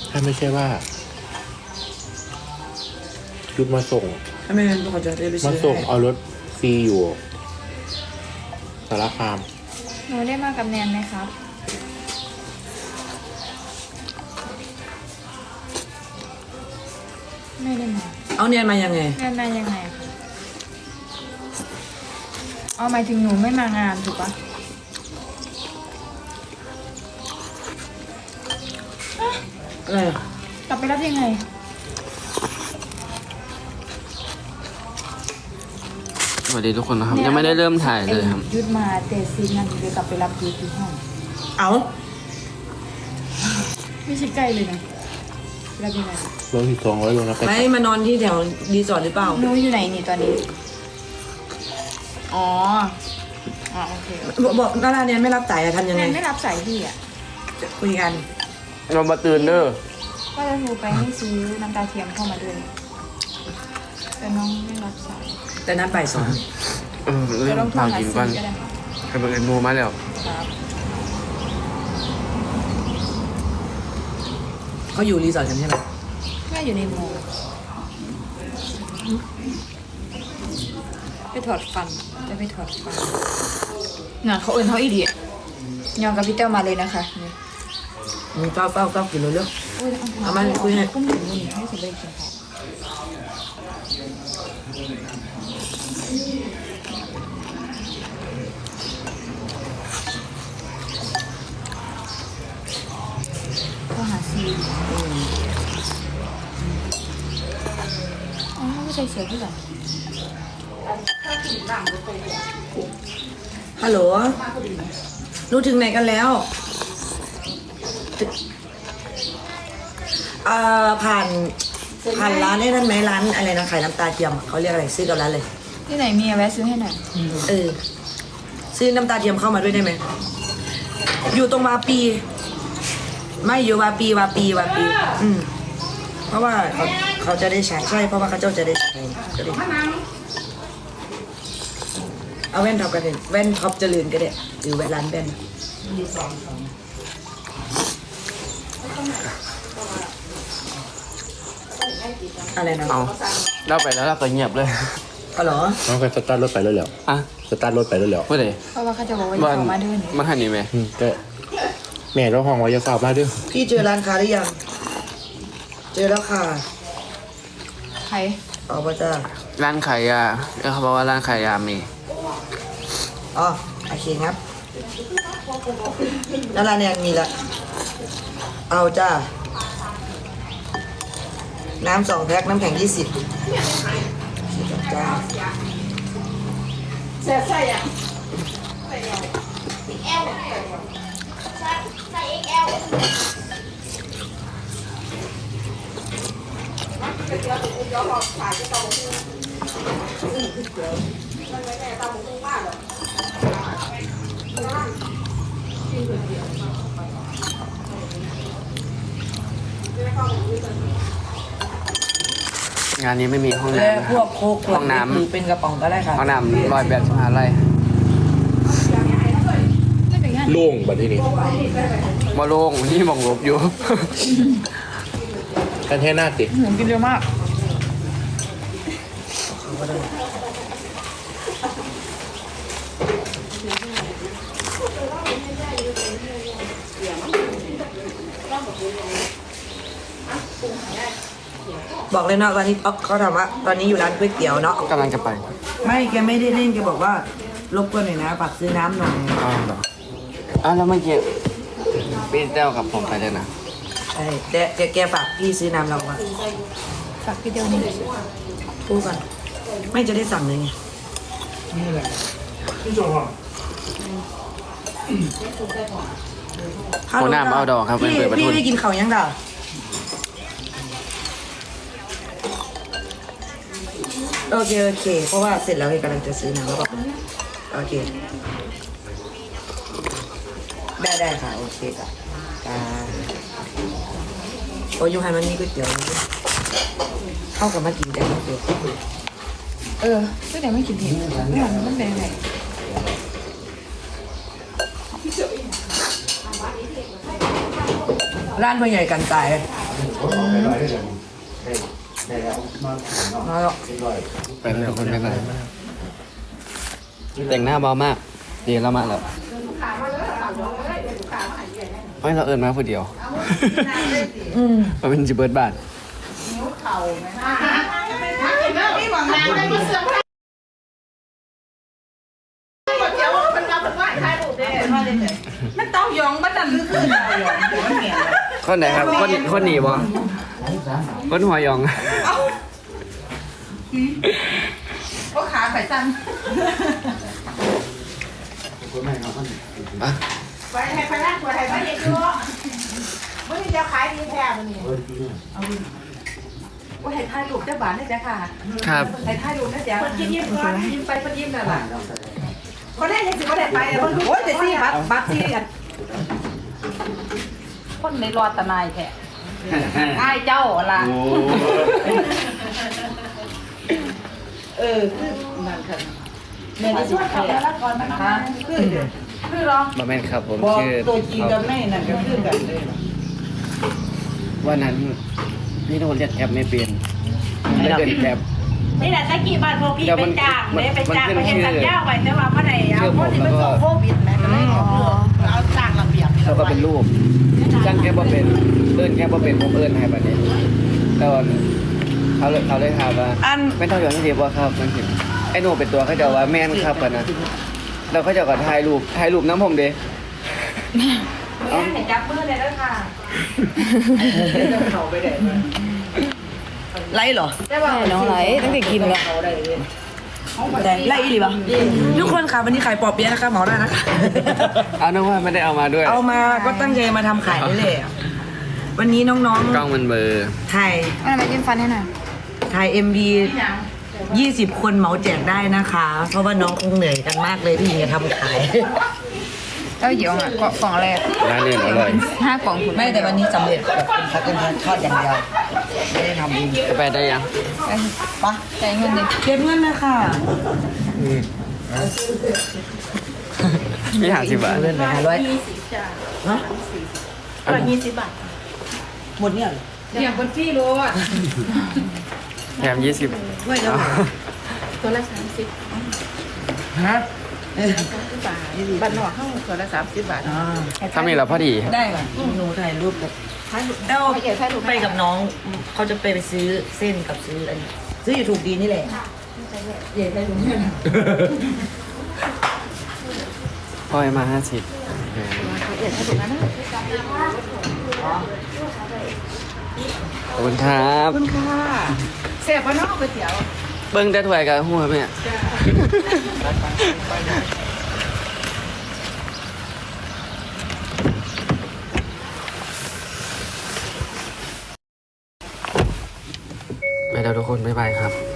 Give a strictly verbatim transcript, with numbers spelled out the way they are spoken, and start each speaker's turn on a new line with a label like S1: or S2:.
S1: ถ้าไม่ใช่ว่ายุดมาส่ง
S2: ถ้าไม่งั้นเขาจะได้ไป
S1: มา
S2: ซื้อ
S1: ส่ง
S2: ให้
S1: เอารถฟรีอยู่สารคาม
S3: หนูได้มากับแนนไหมครับไม่ได้มา
S2: เอาเนียนมายังไง
S3: แนนมายังไงอะคะเอาหมายถึงหนูไม่มางานถูกปะ
S2: อะไรอ่ะ
S3: กลับไปรับยังไง
S4: สวัสดีทุกคนนะครับ ยังไม่ได้เริ่มถ่ายเลยครับ
S3: ไอ้ยุดมาเตะซีนนั่นเดี๋ยวกลับไปรับยุดที่ห้อง
S2: เอา
S3: ไม่ใช่ใกล้เลยนะรับยังไง
S1: รถที่สองร้อยโลนะไป
S2: ไม่มานอนที่แถวรีสอร์ทหรือเปล่า
S3: หนูอยู่ไหนนี่ตอนนี้อ๋ออ๋อโอเค
S2: บอกบอกดาราเนียนไม่รับสายอะทำยัง
S3: แน
S2: ไง
S3: นไม่รับสายพี่อ่ะ
S2: คุยกัน
S4: เรามาตื่นเด้อ
S3: ก็จะโทรไปให้ซื้อน้ำตาเทียมเข้ามาด้วยแต่น้องไม่รับสาย
S2: แต่นัดบ่ายสอง
S4: เออ
S3: จะ
S4: เริ่ม
S3: ต้องโทร
S4: พา
S3: หา
S4: กิน
S3: ซี
S4: ก่อน
S3: ก็ได้
S4: ให้เบิร์ดมูมาแล้ว
S3: ครับ
S2: เขาอยู่รีสอร์ทกันใช่ไหม
S3: แม่อยู่ในโมไปถอดฟันจะไปถอดฟันงานเขาเอินเขาอีดียองกับพี่เต้ามาเลยนะคะนี่
S2: มึงเฝ้าเฝ้าเฝ้ากินเรื่อง
S3: อุ้ย
S2: เอามาคุยให้
S3: กุ้งหมูนี่ให้สำเร็จกินเขาก็หาซีอ๋อไม่ใช่เสือที่ไหน
S2: ฮัลโหลรู้ถึงไหนกันแล้วเอ่อผ่านผ่านร้านได้นั่นไหมร้านอะไรนะขายน้ำตาเทียมอะเขาเรียกอะไรซื้อกับร้านเลย
S3: ที่ไหนมีอะแวะซื้อให้หน่อย
S2: เออซื้อน้ำตาเทียมเข้ามาด้วยได้ไหมอยู่ตรงวาปี ไม่อยู่วาปีวาปีวาปี อืมเพราะว่าเขาเขาจะได้ใช้ใช่เพราะว่าเขาเจ้าจะได้ใช้ก็ได้เอาแว่นท็อปกันเลยแว่นท็อปเจริญก็ได้หรือแว่นร้านแว่นอะไรนะ
S4: เอาเราไปแล้วเราก็เงียบเลย
S2: อ๋อเหรอ
S1: น้องไปสตาร์ทรถไปแล้วเหรอ
S4: อ่ะ
S1: สตาร์ทรถไปแล้วเหรอ
S4: เพื่อไหน
S3: เพราะว่าเขาจะบอกว่าอ
S4: บ้า
S3: ย่าน เข้ามาเดิน
S4: มาทันนี่ไหม
S1: อืมก็แม่เราห้องไว้จะฝากมาด้วย
S2: พี่เจอร้านค้าหรือยังเจอแล้วค่ะ
S3: ใคร
S2: ออกมาจ้า
S4: ร้านขายยาเขาบอกว่าร้านขายยามี
S2: อ๋อโอเคครับแล้วร้านเนี่ยมีละเอาจ้าน้ำสองแพ็คน้ำแข็งยี่สิบจ้า
S4: งานนี้ไม่มีห้อง
S2: และ
S4: น้ำนะ
S2: พ
S4: คว รั
S2: ก
S4: บ
S2: โค้กขวด
S4: ห้องน้ำ
S2: หรือเป็นกระป๋องก็ได้ค่ะ
S4: ห้องน้ำรอยแบบสหาไร
S3: ไม่เป็นงั้น
S1: โล่งบัดที่นี้
S4: มาโล่งนี่มองลบอยู่
S1: กันแค่หน้าติ
S3: หนูกินเร็วมาก
S2: บอกเลยเนาะตอนนี้อ๊อกเขาถามว่าตอนนี้อยู่ร้านก๋วยเตี๋ยวเนาะ
S4: กำลังจะไป
S2: ไม่แกไม่ได้เล่นแกบอกว่ารบกวนหน่อยนะฝากซื้อน้ำหน่อย
S4: อ้าวเหรออ้าวแล้วเมื่อกี้พี่เต้ากับผมไปเลยนะ
S2: ใช่แต่แกแกฝากพี่ซื้อน้ำเราอะ
S3: ฝากพี่เดียวนี่
S2: พูดก่อนไม่จะได้สั่งเลยไง
S4: หัวหน้าเอาดอกครับเป็น
S2: พี่
S4: เปิดประ
S2: พี่
S4: ทุน
S2: ได้กินเขาวยังด่าโอเคโอเค เพราะว่าเสร็จแล้วเอกำลังจะซื้อน้ำแล้วก็โอเค ได้ได้ค่ะโอเคค่ะจ้าโอ้ยยูไฮมันมีก๋วยเตี๋ยวนะเข้ากับมากินแต่ก๋วยเตี๋ยว
S3: เออก็เดี๋ยวไม่กินเผ็ดไม่หวานมันเป็นไง
S2: ร้านพ่อใหญ่กันตายมาหรอก
S4: ไปแล้วทุกคนไปเลยแต่งหน้าเบามากดีแล้วมาแล้วไม่เราเอิญมาคนเดียว
S2: อืม
S4: มันเป็นจิเบิร์ดบาท
S5: มันเต้ายองมันดันลึกขึ้นเต้ายองเดี๋ยวมันเหนียว
S4: คนไหนครับคนคนหนีบ่คนหัวยอง
S5: ก็ขาไข่สั้น
S4: อ่ะ
S5: ไปให้ไปนั่งตัวไทยไปเด็กด้วยมื่อนี้จะขายดีแท้มื่อนี้ว่าให้ถ่ายรูปเจ้าบ้านได้จ้ะค่ะ
S4: ครับ
S5: ให้ถ่ายรูปนะจ๊ะคนยิ้มยิ้มก่อนยิ้มไปคนยิ้มนั่นแหละคนแรกยังสิบ่ได้ไปเลยคนโอ้ยแต่ซี่บักบักซี่กันคนในรอดตะนายแท้ไอ้เจ้าล่ะเออคือนั่นค่ะแม่ได้ช่วยทำแล้วก่อนนะคะคือคือร้อง
S4: มาแม่นครับผม
S5: บอก
S4: ชื่อ
S5: ตัวจริงกับแม่นั่นก็คือกันเลย
S4: วันนั้นพี่โดนเรียกแคปไม่เปลี่ยนไม่เดินแคป
S5: นี่แหละตะกี้บ้านพวกพี่
S4: เดี๋ยว
S5: ไป
S4: มัน
S5: จ้าง
S4: มัน
S5: เลยไปจ้าง
S4: มัน
S5: ไป
S4: ขึ้น
S5: เห็น
S4: ชื่อ
S5: สัญญาไว้แต่ว่าเมื่อไหร่เอา
S4: ชื่อ
S5: เพ
S4: ผม
S5: ราะที่มัน
S4: แล้วก็
S5: ส่งโควิดแม่ก็เลยเอาเอาจ้างระเบียบ
S4: เขาก็เป็นรูปจ้างแค่บ่เป็นเอิ้นแค่บ่เป็นผมเอิ้นให้บัดนี้แล้วเขาเลยเขาเลยถามว่า
S2: อัน
S4: ไม่ต้องอย่างที่เดียวว่าครับมันถึงไอ้หนูเป็นตัวเขาจะว่าแม่นครับปะนะแล้วเขาจะก็ถ่ายรูปถ่ายรูปน้ำผมเด้
S5: แม่เห็นจับมือเลยแล้วค่ะเขาไปไหนมา
S2: ไล่เหรอ
S5: แต่ว่า
S3: ใช่น้องไหลตั้งแต่กินแล้ว
S5: เขาได้เลย
S2: ได้ไล่อีหรือเปล่าทุกคนค่ะวันนี้ขายปอบเปี๊ยะนะคะเหมาได้นะคะ
S4: เอาน้องว่าไม่ได้เอามาด้วย
S2: เอามาก็ตั้งใจมาทำขายได้เลยอะวันนี้น้อง
S4: กล้องมันเบลอร์
S2: ๆถ่าย
S3: เอาอะไรยิ้มฟันให้หน่อย
S2: ถ่าย เอ็ม วี ยี่สิบคนเหมาแจกได้นะคะ เพราะว่าน้องคงเหนื่อยกันมากเลยที่หญิงจะทำขาย
S3: เต้าหยองอ่ะกล่องอะไรอะ
S4: ร้านอื่นอร่อย
S3: ห้ากล่องคุณ
S2: ไม่แต่วันนี้สำเร็จแบบเป็นคัตเติ้ลทอดอย่างเดียวไม่ได้ทำเอง
S4: จะไปได้ยัง
S3: ไปปะจ่ายเงินดิ
S2: เก็บเงินนะคะ
S4: มีหาสิบบาท
S2: เงินไปห้าร้อยฮะ
S5: ร้อยยี่สิบบาท
S2: หมดเนี่ยเหรอ
S5: อย่างคนพี่รู้อ่ะ
S4: แถมยี่สิบ
S2: ไม่แล้ว
S5: ตัวละสามสิบ
S2: ฮะ
S5: บาทบ้านนอกเข้าตัวละสามสิบบาท
S2: อ่า
S4: ถ้ามีเราพอดี
S2: ได้ค่ะหนูถ่ายรูปกับเอ้าไปกับน้องเขาจะไปไปซื้อเส้นกับซื้ออันนี้ซื้ออยู่ถูกดีนี่แหละเดี๋ยวได้รู้เงิน
S4: พ่อยมาห้าสิบขอบคุณครับ
S5: คุณค่ะเสียบบ้านนอกก๋วยเตี๋ยว
S4: เบิ้งแต่ถ้วยกับหัวแม่ไปแล้วทุกคน บ๊ายบายครับ